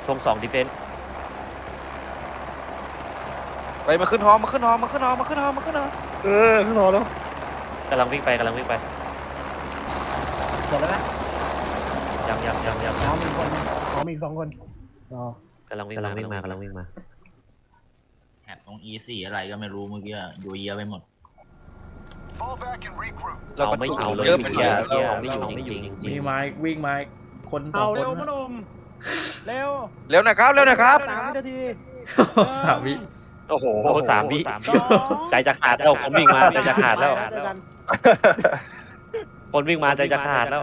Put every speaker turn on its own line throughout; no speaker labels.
ธง2ดิเฟนส์
ไปมาขึ้นฮอมาขึ้นฮอมาขึ้นฮอมาขึ้นฮอมาขึ้นฮอ
ขึ้นรอแล้ว
กำลังวิ่งไป
หมดแล้วนะ
ยัง
น้องมีคนน้องมีอีก2 คนอ๋อก
ำลังวิ่งมา
แอบตรง E4 อะไรก็ไม่รู้เมื่อกี้อยู่เยอะไปหมด
เราไม่เอาเลย
เยอะไปหน่อย
เราไม่อยู่จริง
มีไม้วิ่งไม้คน2 คน
เร็วมาหนุ่มเร็ว
เร็วนะครับเร็วนะครับ
3 นาที
3 วิ
โอ้โห3 วิใจจะขาดแล้วคนวิ่งมาใจจะขาดแล้วคนวิ่งมาใจจะขาดแล้ว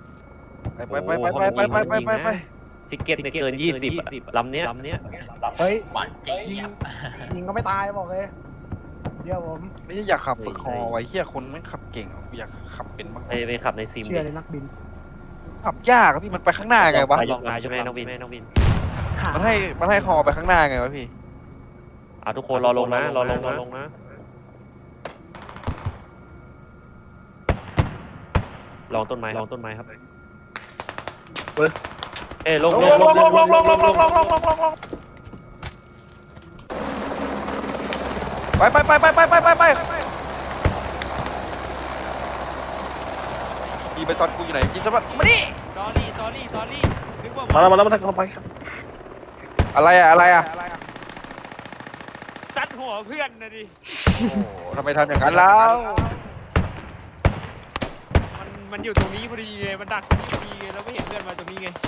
ไป
ทิกเก็ตเนี่ยเกิน20ลำเนี้ย
เฮ้ย
หวานเจี๊ยบ
ยิงก็ไม่ตายบอกเลยเดี๋ยวผม
ไม่ใช่อยากขับฝึกฮอไว้เฮียคนไม่ขับเก่งอยากขับเป็นบ้าง
ไปขับในซิม
เชื่อเลยนักบิน
ขับยากอะพี่มันไปข้างหน้าไงวะ
ลองมาใช่ไหมน้องบิน
มันให้ฮอไปข้างหน้าไงวะพี่
ทุกคนรอลงนะลองต้นไม้ครับลง
ไปยิงไปตอนกูอยู่ไหนยิงสะบัดมาดิ
สอรี่นึกว่า
มาแล้วเข้าไปครับ
อะไรอะ
ซัดหัวเพื่อนนะดิ
โอ้ทำไมทำอย่างนั้นแล้ว
มันอยู่ตรงนี้พอดีไงมันดักตรงนี้พอดีไงเราไม่เห็นเพื่อนมาตรงนี้ไง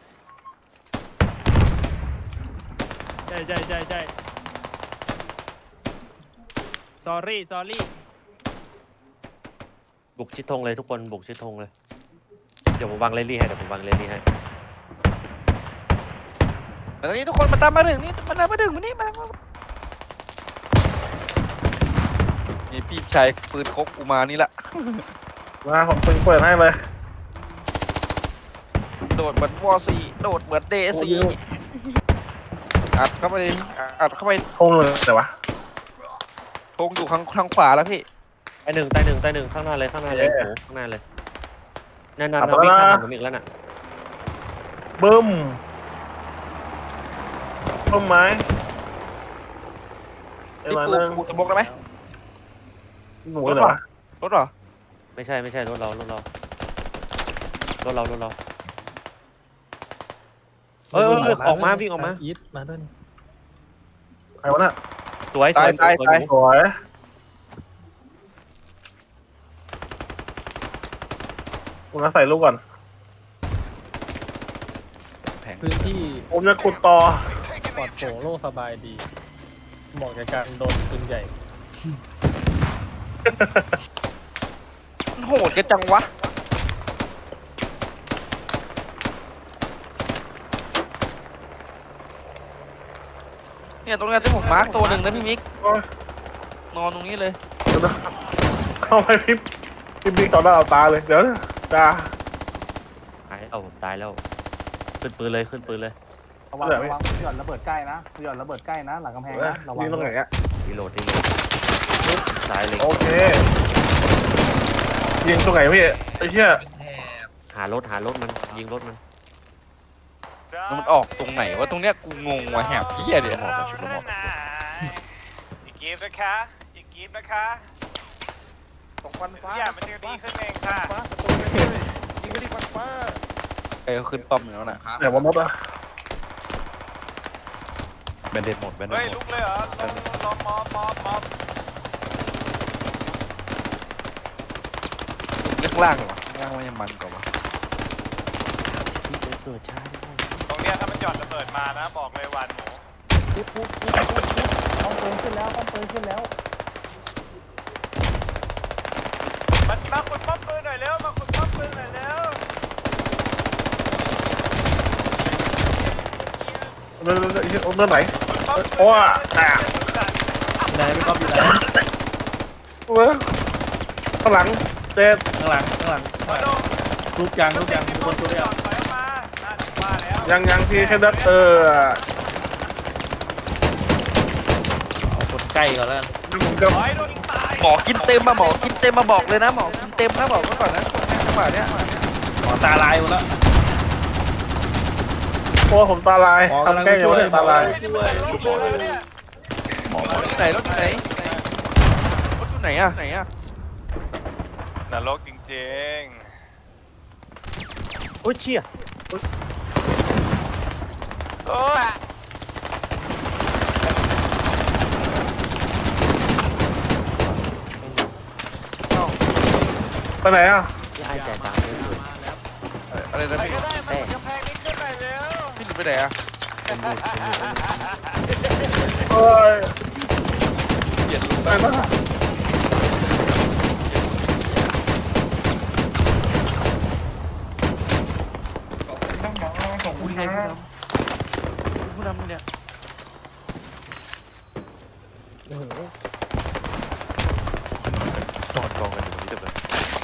ใช่สอรี่
บุกชิดธงเลยทุกคนบุกชิดธงเลยเดี๋ยวผมวางเรลลี่ให้
ตอนนี้ทุกคนมาตามมาถึงนี่มาถึงนี่มานี่พี่ชายปืนคกกูมานี่ละ
มาผมเปิดให้เลย
โดดเหมือนวอซีโดดเหมือนเดซีอัดเข้าไป
ธงเลยแต่วะ
ธงอยู่ทางขวาแล้วพี่
ตายหนึ่งข้างหน้าเลยโอ้โหข้างหน้าเลยนั่นวิ่งข้ามผมอีกแล้วน่ะ
บึ้มต้นไม้
พี่ปูจะบกได้ไหม
หนูเลยวะ
รถเหรอ
ไม่ใช่รถเราออกมาวิ่งออกมา
อีทมาด้วยใครวะน่ะ
สวย
ตาย
สวยผมจะใส่ลูกก่อน
พื้นที่
ผมจะขุดต่อ
ปลอดโปร่งโล่งสบายดีเหมาะกับการโดนปืนใหญ่
มันโหดกันจังวะเนี่ยตรงนี้ที่ผมมาร์กตัวหนึ่งนะพี่มิกนอนตรงนี้เลย
เข้าไปพิมพ์ต่อหน้าเอาตาเลยเดี๋ยวจ้า
ตายแล้วขึ้นปืนเลย
ระวัง
หย่อนระเบิดใกล้นะหย่อนระเบิดใกล้นะหลังกำแพงนะระวัง
ยิงตรงไหนอ่ะ
รีโหลดตายเลย
โอเคยิงตรงไหนพี่ไอ้เหี้ย
หารถมันยิงรถมัน
มันออกตรงไหนวะตรงเนี้ยกูงงว่ะแหบเพี้ยเดี๋ยวหมดมาชุดละหมด
อีกกีฟนะคะ
ตกฟันฟ้า
อย่ามันจะดีขึ้นเองค่ะ
ยิงไปที่ฟันฟ้า
เอ้ยขึ้นป้อมแล้วน่ะ
ไหนว่ามดอ่ะ
แบนเด็ดหมด
เฮ้ยลุกเลยเหรอลองมอบ
ข้างล่างเหรอข้างล่างมันยังมันกว่าวะ
เกิดช้า
ตรงเนี้ยถ้ามันหย่อนระเบิดมานะบอกเลยหวานหมู
ต้องปืนขึ้นแล้ว
มาขุดป้อมปืนหน่อยเร็ว
เรื่องไหนโอ้อ่ะ
ไหนไม่ก๊อปอยู่ไหน
เว้ยข้างหลังเจ็ด
ข้างหลังรูปยางมีคนตัวเดียว
ถอยออกมาว่าแล้ว
ยังพี่แค่ดัด
เอากดใกล้ก่อนแล้วกัน
กับ
ถอยโดนยิงตาย
หมอกินเต็มมาบอกเลยนะหมอกินเต็มนะบอกไว้ก่อนนะจังหวะเนี้ย
หมอตาลายหมดแล้ว
โอ้อ้ผมตาลายทำแกล้งอยู่เลยตาลาย
ไหนรถอยู่ไหนรถอยู่ไหนอะไหนอะ
นรกจริง
โอ้ยเชี่ย
ๆ โอ้ย
ไปไหนอ่ะ
พี่ไอ้จ่ายตังค์เลย
อะไรนะ
ใคร
พี่
ก็ได้มันกำแพงนี้ขึ้นหน่อยเร็ว
พี่หนูไปไหนอะ
เป็นบุญเป็นบุญ
เอ้ย
เจ็ดลูก
ไปนะ
ผู้ใหญ่ผู้นำเนี่ย
นอนกองกันอยู่ตรงนี้เต็มเลย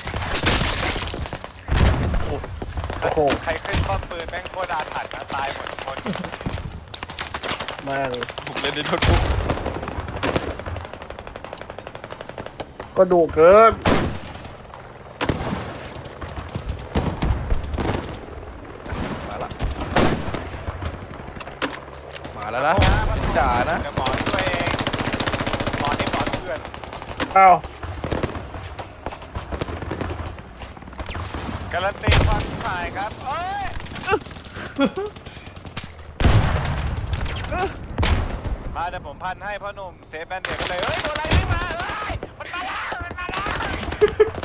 โอ้โห
ใครขึ้นป้อมปืนแม่งโคตรอาถรรพ์นะตายหมดทุกคน
แม่ง
ผมเล่นในโน้ตบุ๊ก
ก็ดุเกิน
มาแล้วนะเป็นจ่านะ
เดี๋ยวหมอช่วยเองหมอนี่หมอเพื่อน
อ้าว
การันตีความถ่ายครับเอ้ยมาเดี๋ยวผมพันให้พ่อหนุ่มเซฟแบนเดดไปเลยเฮ้ยตัวอะไรไม่มาเฮ้ยมันมาแล้ว